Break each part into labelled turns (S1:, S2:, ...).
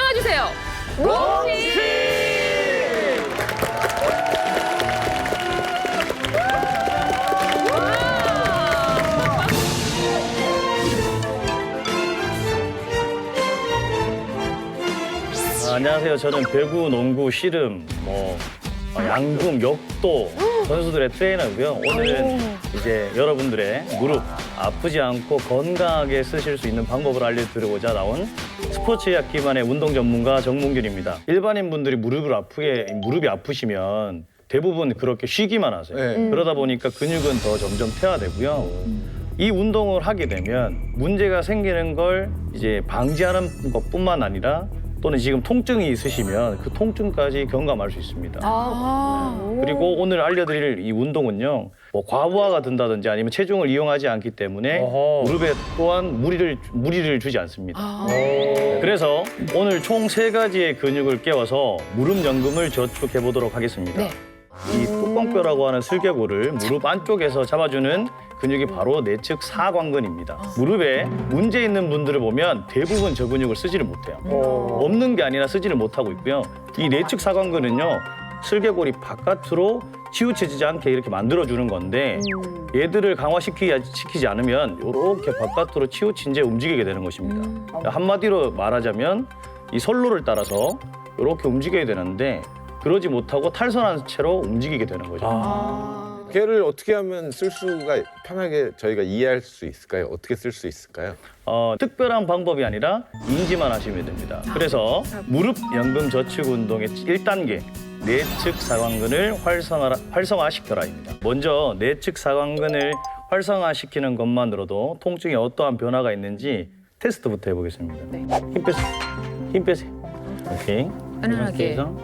S1: 나와주세요. 뭉치!
S2: 안녕하세요. 저는 배구, 농구, 씨름, 양궁, 역도 선수들의 트레이너고요. 오늘은 이제 여러분들의 무릎 아프지 않고 건강하게 쓰실 수 있는 방법을 알려드리고자 나온 스포츠의학 기반의 운동 전문가 정문균입니다. 일반인 분들이 무릎이 아프시면 대부분 그렇게 쉬기만 하세요.
S3: 네.
S2: 그러다 보니까 근육은 더 점점 퇴화되고요. 이 운동을 하게 되면 문제가 생기는 걸 이제 방지하는 것뿐만 아니라 또는 지금 통증이 있으시면 그 통증까지 경감할 수 있습니다. 그리고 오늘 알려드릴 이 운동은요, 과부하가 든다든지 아니면 체중을 이용하지 않기 때문에 무릎에 또한 무리를 주지 않습니다. 그래서 오늘 총 3가지의 근육을 깨워서 무릎 연금을 저축해 보도록 하겠습니다.
S1: 네.
S2: 이 뚜껑뼈라고 하는 슬개골을 무릎 안쪽에서 잡아주는 근육이 바로 내측 사관근입니다. 무릎에 문제 있는 분들을 보면 대부분 저 근육을 쓰지를 못해요. 없는 게 아니라 쓰지를 못하고 있고요. 이 내측 사관근은요, 슬개골이 바깥으로 치우쳐지지 않게 이렇게 만들어주는 건데 얘들을 강화시키지 않으면 이렇게 바깥으로 치우친 채 움직이게 되는 것입니다. 한마디로 말하자면 이 선로를 따라서 이렇게 움직여야 되는데 그러지 못하고 탈선한 채로 움직이게 되는 거죠.
S3: 걔를 어떻게 하면 쓸 수가 편하게 저희가 이해할 수 있을까요? 어떻게 쓸 수 있을까요?
S2: 특별한 방법이 아니라 인지만 하시면 됩니다. 그래서 무릎 연금 저축 운동의 1단계 내측 사관근을 활성화시켜라입니다. 먼저 내측 사관근을 활성화시키는 것만으로도 통증에 어떠한 변화가 있는지 테스트부터 해보겠습니다.
S1: 네.
S2: 힘 빼세요. 힘 빼세요. 오케이.
S1: 편안하게.
S2: 이렇게 해서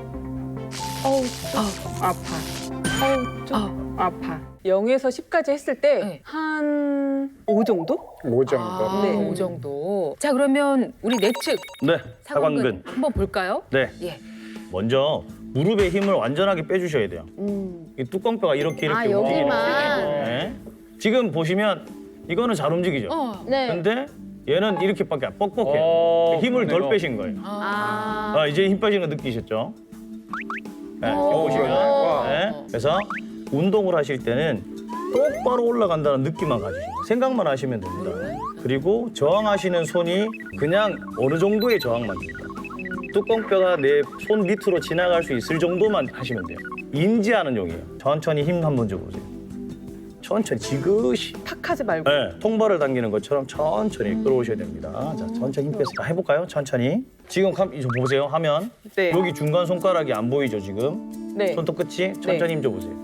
S4: 아파. 좀 아파. 0에서 10까지 했을 때
S1: 네.
S4: 한 5 정도?
S3: 5 정도.
S4: 네.
S1: 이 정도. 자, 그러면 우리 내측
S2: 네,
S1: 사관근
S2: 사관근.
S1: 한번 볼까요?
S2: 네.
S1: 예.
S2: 먼저 무릎의 힘을 완전하게 빼주셔야 돼요. 이 뚜껑뼈가 이렇게 움직이는
S5: 여기만.
S2: 네. 지금 보시면 이거는 잘 움직이죠.
S5: 네.
S2: 근데 얘는 이렇게밖에 안 뻑뻑해요. 힘을 덜 빼신 거예요. 이제 힘 빠지는 거 느끼셨죠? 네, 이거 보시면. 네. 그래서 운동을 하실 때는 똑바로 올라간다는 느낌만 가지시고 생각만 하시면 됩니다. 그리고 저항하시는 손이 그냥 어느 정도의 저항만 줍니다. 뚜껑뼈가 내 손 밑으로 지나갈 수 있을 정도만 하시면 돼요. 인지하는 용이에요. 천천히 힘 한번 줘보세요. 천천히 지그시.
S4: 탁 하지 말고.
S2: 네, 통발을 당기는 것처럼 천천히 끌어오셔야 됩니다. 자, 천천히 힘 빼서 해볼까요? 천천히. 지금 이거 보세요. 하면
S4: 네.
S2: 여기 중간 손가락이 안 보이죠, 지금?
S4: 네.
S2: 손톱 끝이 천천히 힘 줘보세요.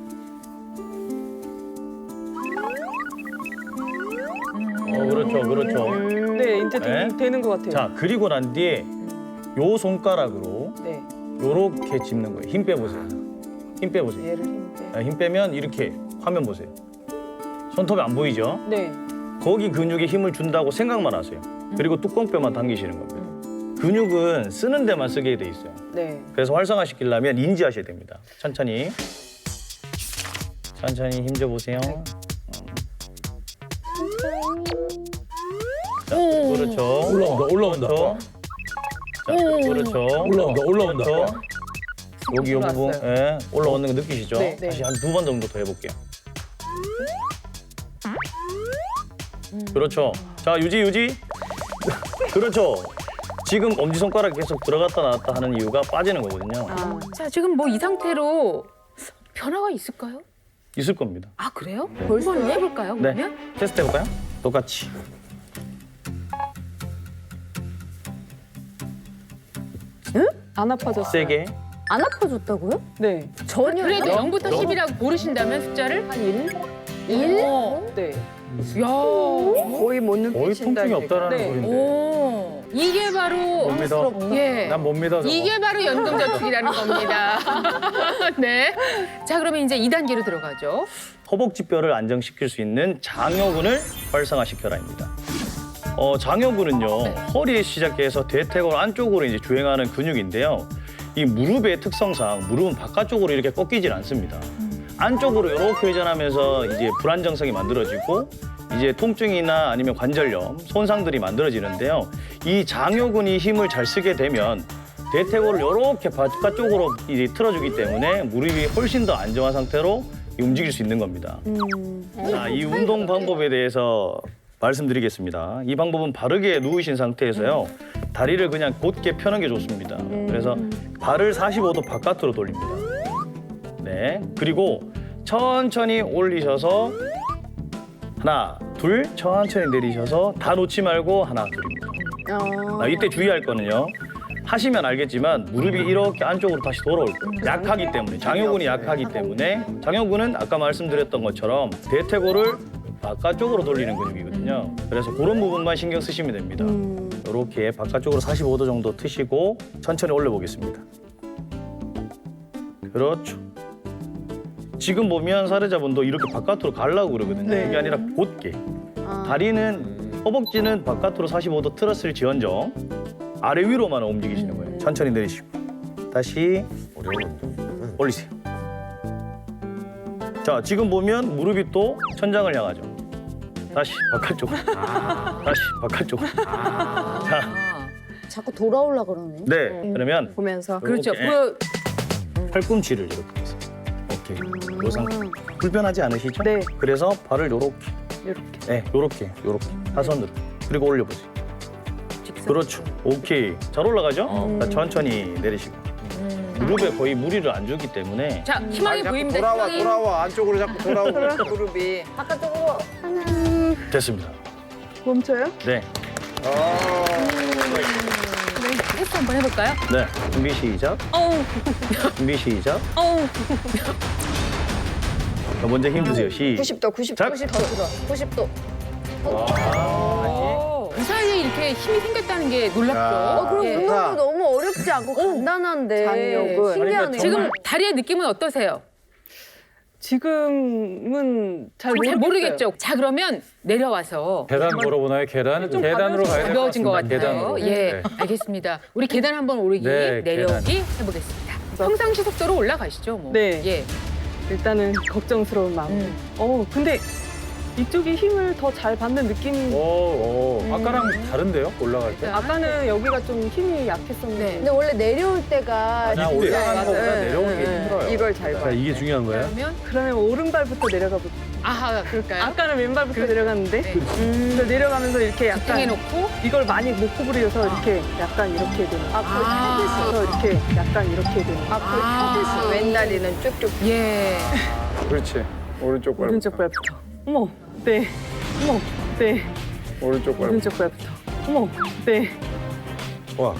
S2: 그렇죠, 그렇죠.
S4: 네, 이제
S2: 네.
S4: 되는 것 같아요.
S2: 자, 그리고 난 뒤에 요 손가락으로
S4: 네.
S2: 요렇게 짚는 거예요. 힘 빼보세요. 힘 빼보세요.
S4: 얘를 힘 빼.
S2: 힘 빼면 이렇게 화면 보세요. 손톱이 안 보이죠?
S4: 네.
S2: 거기 근육에 힘을 준다고 생각만 하세요. 그리고 뚜껑뼈만 당기시는 겁니다. 근육은 쓰는 데만 쓰게 돼 있어요.
S4: 네.
S2: 그래서 활성화시키려면 인지하셔야 됩니다. 천천히. 천천히 힘 줘보세요. 자, 그렇죠.
S6: 올라온다.
S2: 그렇죠. 자, 그렇죠.
S6: 올라온다.
S2: 그렇죠. 여기 요 부분,
S4: 올라왔어요.
S2: 예, 올라오는 거 느끼시죠?
S4: 네, 네.
S2: 다시 한 2번 정도 더 해볼게요. 그렇죠. 자, 유지. 그렇죠. 지금 엄지손가락 계속 들어갔다 나왔다 하는 이유가 빠지는 거거든요.
S1: 자, 지금 뭐 이 상태로 변화가 있을까요?
S2: 있을 겁니다.
S1: 아, 그래요? 한번 해볼까요,
S2: 네.
S1: 그러면?
S2: 테스트 해볼까요? 똑같이.
S4: 안 아파졌어요.
S2: 세게.
S5: 안 아파졌다고요?
S4: 네.
S5: 전혀.
S1: 그래도 0부터 10이라고 고르신다면 숫자를?
S4: 한 1?
S5: 1?
S4: 네.
S1: 야,
S4: 거의 못
S2: 거의 통증이 없다라는
S4: 네.
S2: 소리인데.
S1: 오, 이게 바로
S2: 못 믿어.
S1: 예.
S2: 난 못 믿어. 저거.
S1: 이게 바로 연금저축이라는 겁니다. 네. 자, 그러면 이제 2단계로 들어가죠.
S2: 허벅지뼈를 안정시킬 수 있는 장요근을 활성화시켜라입니다. 장요근은요,
S1: 네.
S2: 허리에 시작해서 대퇴골 안쪽으로 이제 주행하는 근육인데요. 이 무릎의 특성상 무릎은 바깥쪽으로 이렇게 꺾이질 않습니다. 안쪽으로 이렇게 회전하면서 이제 불안정성이 만들어지고 이제 통증이나 아니면 관절염, 손상들이 만들어지는데요. 이 장요근이 힘을 잘 쓰게 되면 대퇴골을 이렇게 바깥쪽으로 이제 틀어주기 때문에 무릎이 훨씬 더 안정한 상태로 움직일 수 있는 겁니다. 자, 이 운동 방법에 대해서 말씀드리겠습니다. 이 방법은 바르게 누우신 상태에서요. 다리를 그냥 곧게 펴는 게 좋습니다. 그래서 발을 45도 바깥으로 돌립니다. 네. 그리고 천천히 올리셔서 하나, 둘, 천천히 내리셔서 다 놓지 말고 하나, 둘입니다. 이때 주의할 거는요. 하시면 알겠지만 무릎이 이렇게 안쪽으로 다시 돌아올 거예요. 약하기 때문에, 장요근이 약하기 때문에 장요근은 아까 말씀드렸던 것처럼 대퇴골을 바깥쪽으로 돌리는 근육이거든요. 그래서 그런 부분만 신경 쓰시면 됩니다. 이렇게 바깥쪽으로 45도 정도 트시고 천천히 올려보겠습니다. 그렇죠. 지금 보면 사례자분도 이렇게 바깥으로 가려고 그러거든요. 그게 아니라 곧게. 다리는, 허벅지는 바깥으로 45도 틀었을지언정 아래 위로만 움직이시는 거예요. 천천히 내리시고. 다시
S3: 어려운 운동.
S2: 올리세요. 자, 지금 보면 무릎이 또 천장을 향하죠. 다시 바깥쪽. 다시 바깥쪽. 자,
S5: 자꾸 돌아올라 그러네.
S2: 네. 그러면
S4: 보면서
S1: 그렇죠.
S2: 이렇게 팔꿈치를 이렇게 해서. 오케이. 요 상태. 불편하지 않으시죠?
S4: 네.
S2: 그래서 발을 요렇게.
S4: 이렇게.
S2: 네, 요렇게. 사선으로. 그리고 올려보세요. 그렇죠. 오케이. 잘 올라가죠? 자, 천천히 내리시고. 무릎에 거의 무리를 안 주기 때문에
S1: 자, 희망이
S3: 자꾸
S1: 보입니다.
S3: 돌아와
S1: 희망이.
S3: 돌아와 안쪽으로 자꾸 돌아오고.
S4: 무릎이
S5: 바깥쪽으로 하나.
S2: 됐습니다.
S4: 멈춰요?
S2: 네.
S1: 테스트 한번 해볼까요?
S2: 네. 준비 시작. 준비 시작. 자, 먼저 힘 주세요. 시작.
S5: 90도, 90도,
S2: 자.
S5: 90도 더 들어. 90도.
S1: 그 사이에 이렇게 힘이 생겼다는 게 놀랍죠.
S5: 그럼
S1: 예.
S5: 운동도 너무 어렵지 않고 간단한데
S4: 장요근.
S5: 신기하네.
S1: 지금 다리의 느낌은 어떠세요?
S4: 지금은 잘
S1: 잘
S4: 모르겠어요.
S1: 모르겠죠. 자, 그러면 내려와서
S6: 계단 물어보나요? 계단?
S4: 좀
S6: 계단으로 가야 될 것
S1: 가벼워진 것
S6: 같습니다.
S1: 같아요.
S6: 계단으로.
S1: 예,
S6: 네.
S1: 알겠습니다. 우리 계단 한번 오르기,
S6: 네,
S1: 내려오기 해보겠습니다. 평상시 속도로 올라가시죠, 뭐.
S4: 네.
S1: 예.
S4: 일단은 걱정스러운 마음. 근데 이쪽이 힘을 더 잘 받는 느낌.
S6: 아까랑 다른데요? 올라갈 때?
S4: 아까는 여기가 좀 힘이 약했었는데.
S1: 네.
S5: 근데 원래 내려올 때가
S6: 그냥 올라가는 것보다 내려오는 게 힘들어요.
S4: 이걸 잘 봐.
S6: 이게 중요한 거예요?
S1: 그러면
S4: 그러면 오른발부터 내려가 볼게요.
S1: 아하, 그럴까요?
S4: 아까는 왼발부터 내려갔는데
S1: 네.
S4: 그래서 내려가면서 이렇게 약간
S1: 해놓고
S4: 이걸 많이 못 구부려서 이렇게 약간 이렇게 되는. 그래서 이렇게 약간 이렇게 되는.
S5: 왼다리는 쭉쭉.
S1: 예.
S3: 그렇지. 오른쪽 발.
S4: 오른쪽 발부터. 어머, 네. 어머, 네.
S3: 오른쪽 발.
S4: 오른쪽 발부터. 어머, 네.
S3: 와.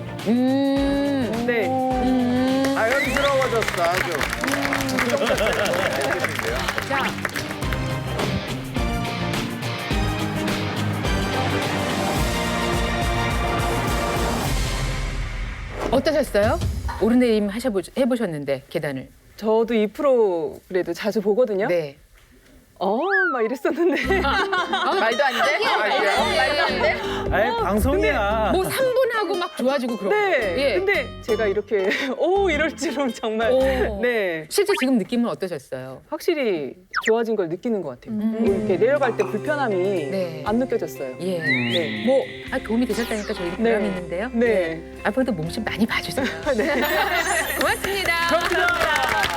S4: 네.
S3: 자연스러워졌어 아주.
S1: 자. 어떠셨어요? 오르내림 해보셨는데 계단을.
S4: 저도 이 프로그램도 자주 보거든요.
S1: 네.
S4: 막 이랬었는데.
S1: 말도 안 돼? 말도 안 돼?
S6: 아예 방송이야.
S1: 뭐 3분하고 막 좋아지고 그런 거.
S4: 네.
S1: 예.
S4: 근데 제가 이렇게 이럴 줄은 정말.
S1: 오.
S4: 네.
S1: 실제 지금 느낌은 어떠셨어요?
S4: 확실히 좋아진 걸 느끼는 것 같아요. 이렇게 내려갈 때 불편함이
S1: 네.
S4: 안 느껴졌어요.
S1: 예.
S4: 네.
S1: 뭐 도움이 되셨다니까 저희도
S4: 네.
S1: 보람이 있는데요.
S4: 네.
S1: 앞으로도 몸심 많이 봐주세요.
S4: 네.
S1: 고맙습니다.
S4: 감사합니다.